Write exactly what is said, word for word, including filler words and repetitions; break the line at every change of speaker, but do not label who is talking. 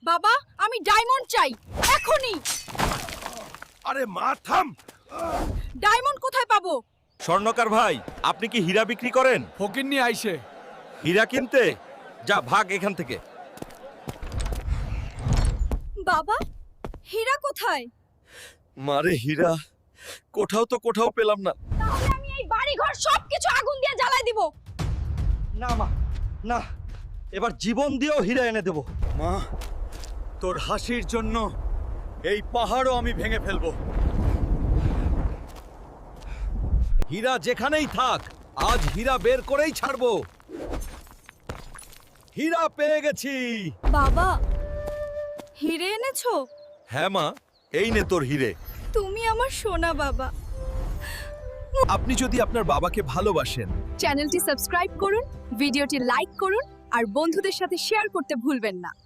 বাবা আমি ডায়মন্ড চাই এখনই।
আরে মা থাম।
ডায়মন্ড কোথায় পাবো?
স্বর্ণকার ভাই, আপনি কি হীরা বিক্রি করেন?
ফকিন্নি আইছে।
হীরা কিনতে? যা ভাগ এখান থেকে।
বাবা হীরা কোথায়?
মারে হীরা কোথাও তো কোথাও পেলাম না।
তাহলে আমি এই বাড়ি ঘর সবকিছু আগুন দিয়ে জ্বালাই দিব।
না মা, না, এবার জীবন দিয়েও হীরা এনে দেব।
মা, তোর হাসির জন্য এই পাহাড়ও আমি ভেঙে ফেলবো।
হীরা যেখানেই থাক, আজ হীরা বের করেই ছাড়বো। হীরা পেয়ে গেছি।
বাবা হিরে এনেছো?
হ্যাঁ মা, এই নে তোর হীরে।
তুমি আমার সোনা বাবা।
আপনি যদি আপনার বাবাকে ভালোবাসেন,
চ্যানেলটি সাবস্ক্রাইব করুন, ভিডিওটি লাইক করুন আর বন্ধুদের সাথে শেয়ার করতে ভুলবেন না।